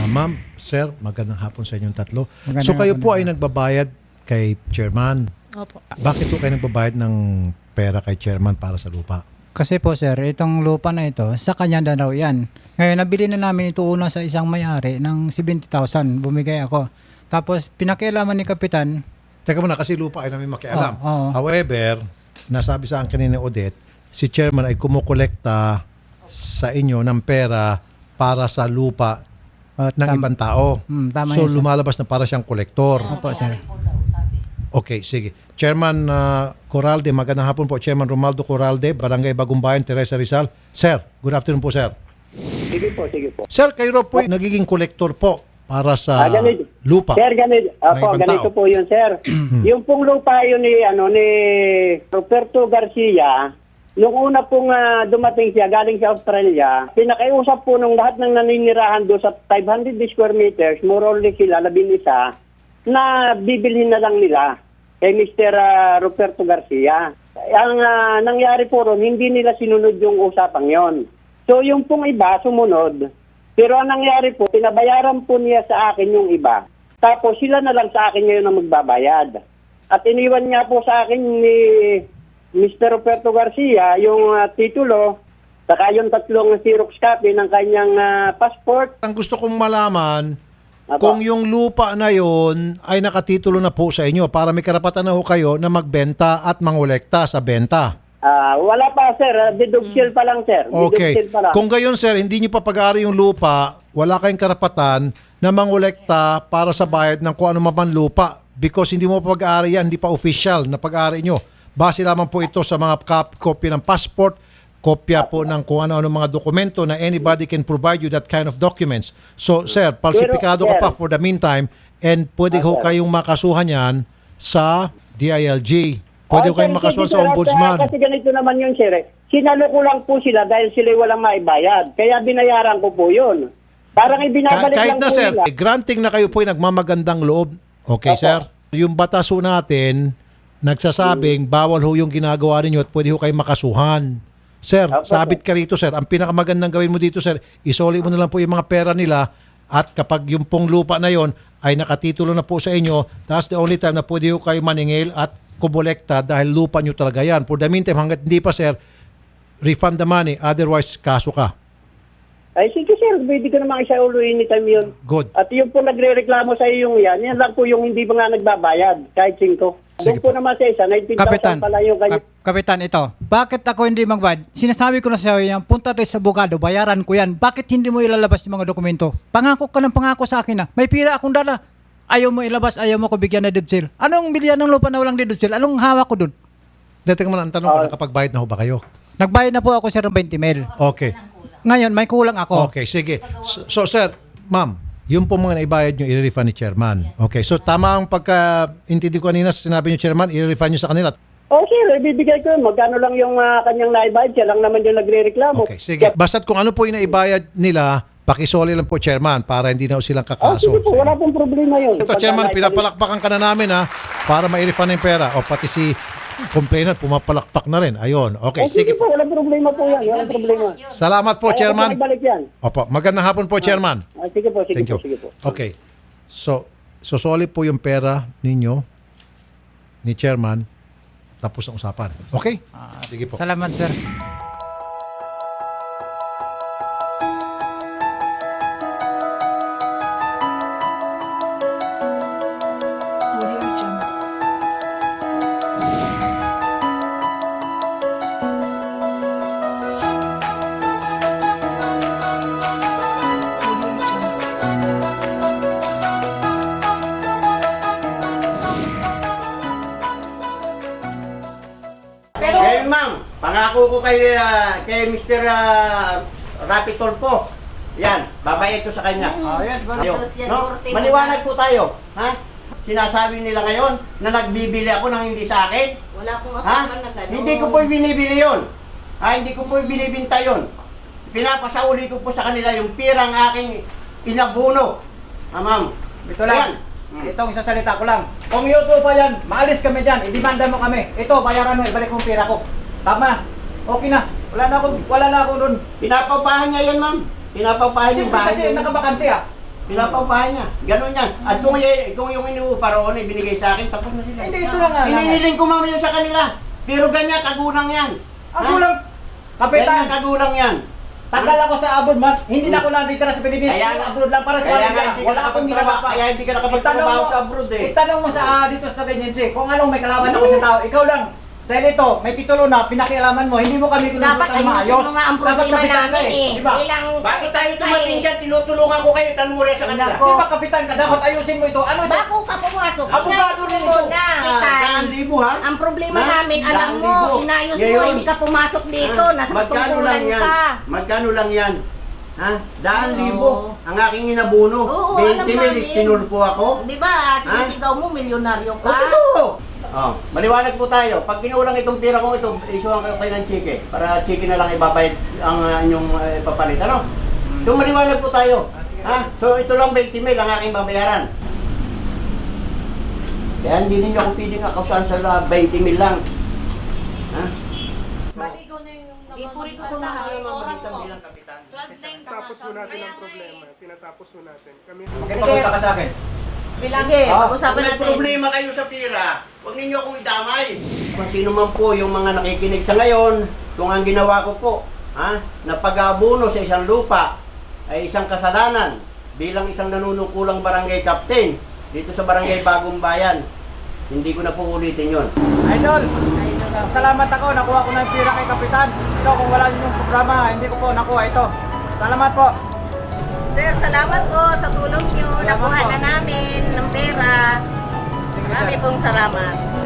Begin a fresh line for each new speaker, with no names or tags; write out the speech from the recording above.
Ma'am, sir, magandang hapon sa inyong tatlo.
Magandang
So kayo
hapon
po
din.
ay nagbabayad kay chairman.
Opo.
Bakit po kayo nagbabayad ng pera kay chairman para sa lupa?
Kasi po sir, itong lupa na ito, sa kanya na raw yan. Ngayon, nabili na namin ito una sa isang may-ari ng 70,000. Bumigay ako. Tapos, pinakialaman ni Kapitan.
Teka muna, kasi lupa ay namin makialam.
Oo.
However, nasabi sa akin ni Odette, si chairman ay kumukolekta sa inyo ng pera para sa lupa ng ibang tao.
Tama
So
yun, sir.
lumalabas na para siyang kolektor.
Opo, sir.
Okay, sige. Chairman Corralde, magandang hapon po. Chairman Romaldo Corralde, Barangay Bagumbayan, Teresa Rizal. Sir, good afternoon po, sir.
Sige po, sige po.
Sir, kayo po nagiging kolektor po para sa
Ganito.
lupa.
Sir, ganito.
ng
Opo,
ibang
ganito
tao.
po yun, sir. Yung pong lupa yun ni Roberto Garcia, nung una pong dumating siya, galing sa Australia, pinakiusap po nung lahat ng naninirahan doon sa 500 square meters, more or less sila, 11, na bibilhin na lang nila kay Mr. Roberto Garcia. Ang nangyari po ron, hindi nila sinunod yung usapang yon. So yung pong iba, sumunod. Pero ang nangyari po, pinabayaran po niya sa akin yung iba. Tapos sila na lang sa akin ngayon ang magbabayad. At iniwan niya po sa akin ni Mr. Roberto Garcia yung titulo, saka yung tatlong Xerox copy ng kanyang passport.
Ang gusto kong malaman,
Apo.
kung yung lupa na yon ay nakatitulo na po sa inyo para may karapatan na ho kayo na magbenta at mangolekta sa benta.
Wala pa, sir. Deduction pa lang, sir.
Okay.
Deduction pa lang.
Kung gayon, sir, hindi nyo pa pag-aari yung lupa, wala kayong karapatan na mangolekta para sa bayad ng kung ano man lupa because hindi mo pa pag-aari yan, hindi pa official na pag-aari nyo. Base lamang po ito sa mga kopya ng passport, kopya po ng kung ano-ano mga dokumento na anybody can provide you that kind of documents. So, sir, falsifikado ka
sir,
pa for the meantime and pwede ho
sir.
kayong makasuhan yan sa DILG. Pwede ho
sir,
kayong makasuhan
hindi,
sa
sir,
ombudsman.
Kasi ganito naman yun, sir. Sinalo ko lang po sila dahil sila walang maibayad. Kaya binayaran ko po yun. Parang ibinabalik
Kahit
lang
na
po
sir,
nila.
granting na kayo po ay nagmamagandang loob. Okay,
Opo.
sir? Yung batas ho natin, nagsasabing bawal ho yung ginagawa ninyo at pwede ho kayo makasuhan. Sir,
Opo,
sabit ka rito, sir. Ang pinakamagandang gawin mo dito, sir, isoli mo na lang po yung mga pera nila at kapag yung pong lupa na yon ay nakatitulo na po sa inyo, that's the only time na pwede ho kayo maningil at kumolekta dahil lupa nyo talaga yan. For the meantime, hanggat hindi pa, sir, refund the money. Otherwise, kaso ka.
Ay, sige, sir. Pwede ko naman isa ulo anytime yun.
Good.
At yung po nagre-reklamo sa iyo yung yan lang po yung hindi ba nga nagbabayad, kahit 5.
Sige
Doon po naman sa isa, 19,000
Kapitan,
pala yung kanya.
Kapitan, ito. Bakit ako hindi magbayad? Sinasabi ko na sa iyo yan, punta tayo sa abogado, bayaran ko yan. Bakit hindi mo ilalabas yung mga dokumento? Pangako ka ng pangako sa akin na. May pira akong dala. Ayaw mo ilabas, ayaw mo ko bigyan na deed sale. Anong bilyan ng lupa na walang deed sale? Anong hawak ko dun?
Teka muna, ang tanong ko, nakapagbayad na ho ba kayo?
Nagbayad na po ako sir ng 20 mil.
Okay.
Ngayon, may kulang ako.
Okay, sige. So sir, ma'am, yung po mga naibayad nyo, i-refund ni chairman. Okay, so tama ang pagka-intindi ko kanina, sinabi nyo chairman, i-refund nyo sa kanila.
Sir, ibibigay ko yun. Magkano lang yung kanyang naibayad, siya lang naman yung nagre-reklamo.
Okay, sige. Basta't kung ano po yung naibayad nila, pakisoli lang po chairman para hindi na silang kakaso.
Sige po, wala pong problema yun.
Ito chairman, pinapalakpakan ka na namin ha, para ma-refund yung pera. O pati si complainant, pumapalakpak na rin. Ayun, okay,
Sige
sige
po,
po.
walang problema po yan. Walang problema.
Salamat po
Kaya
chairman.
po ibalik yan.
Opo, magandang hapon po chairman.
Sige po, sige
Thank you.
po, sige po.
Okay. So, sosoli po yung pera ninyo ni chairman tapos ang usapan. Okay? Sige po.
Salamat sir.
Ngayon, ma'am, pangako ko kay Mr. Rapi Tolpo. Yan, babayad ko sa kanya.
Yan,
Ayun, no? Maliwanag po tayo. Ha? Sinasabi nila ngayon na nagbibili ako ng hindi sa akin.
Wala akong
Ha?
usapan na gano'n.
Hindi ko po binibili yun. Hindi ko po binibinta yun. Pinapasauli ko po sa kanila yung pirang aking inabuno. Ma'am.
Ito lang. Itong isasalita ko lang. Kung YouTube pa yan, maalis kami dyan. I-demanda mo kami. Ito, bayaran mo, ibalik mo ang pera ko. Tama. Okay na. Wala na ako doon.
Pinapapahan niya yan, ma'am. Pinapapahan yung
Siyempre
bahay
kasi
niya.
nakabakante ah.
Pinapabahay niya. Ganon yan. At kung yung inuupa roon ay binigay sa akin, tapos na sila.
Hindi, ito lang nga.
Hinihiling ko mamaya sa kanila. Pero ganyan, kagulang yan.
Ang kulang, kapitan,
Ganyan, kagulang yan.
tagal ako sa abroad, man. Hindi na ako nandito sa Pilipinas.
Kaya nga-
Abroad lang para sa
Kaya nga
pamilya.
hindi ka
Wala akong
nakapagtrabaho.
ginagawa.
Kaya hindi ka nakapagtrabaho sa abroad eh.
Itanong mo sa dito sa agency kung anong may kalaban ako sa tao. Ikaw lang. Dahil ito, may titulo na, pinakialaman mo, hindi mo kami
Dapat
kinunsultan
ayusin
maayos.
mo nga ang
Dapat
problema
kapitan ka
namin eh.
Di ba?
Ilang
Bago tayo dumating dyan, tinutulungan ko kayo, tanong mo rin sa kanila.
Nako.
Di ba kapitan ka? Dapat ayusin mo ito. Ano ito?
Bago ka pumasok,
Abogado
inayos
rin
mo
ito.
na, Kitan.
1,000 ha?
Ang problema
Ha?
namin, alam mo,
1,000.
inayos mo,
Ngayon,
hindi ka pumasok dito, nasa
magkano
tungkulan
lang yan?
ka.
Magkano lang yan? Ha? 1,000
Oo.
ang aking inabuno.
Oo,
20
alam
mil,
namin.
tinulpo ako.
Di ba, sinisigaw mo, milyonaryo
O,
ka.
totoo. Oh, maliwanag po tayo. Pag kinulang itong pira kong ito, isuhan kayo kayo ng chike. Para chike na lang ibabayad ang inyong ipapalit. Ano? So maliwanag po tayo. Ha? So ito lang 20 mil ang aking babayaran. Kaya hindi ninyo ako pwedeng akasahan sa 20 mil lang. Ha?
Maligo na yung
Ipuri ko sa
Ano
mga
naman
oras
mag-isang
po.
bilang kapitan?
12-9
Tapos po natin ang problema. Tinatapos po natin. Kami
Pakipag-usap ka sa akin.
Bilage, pag-usapan
Kung may
natin.
problema kayo sa pira, huwag ninyo akong idamay. Kung sino man po yung mga nakikinig sa ngayon, kung ang ginawa ko po, na pag-aabuno sa isang lupa ay isang kasalanan bilang isang nanunungkulang barangay captain dito sa barangay Bagong Bayan, hindi ko na po ulitin yon.
Idol, salamat ako. Nakuha ko ng pira kay kapitan. Ito, kung wala yung programa, hindi ko po nakuha ito. Salamat po.
Sir, salamat po sa tulong nyo.
Salamat
Nakuha
po.
na namin ng pera.
Sige, sir.
Marami pong salamat.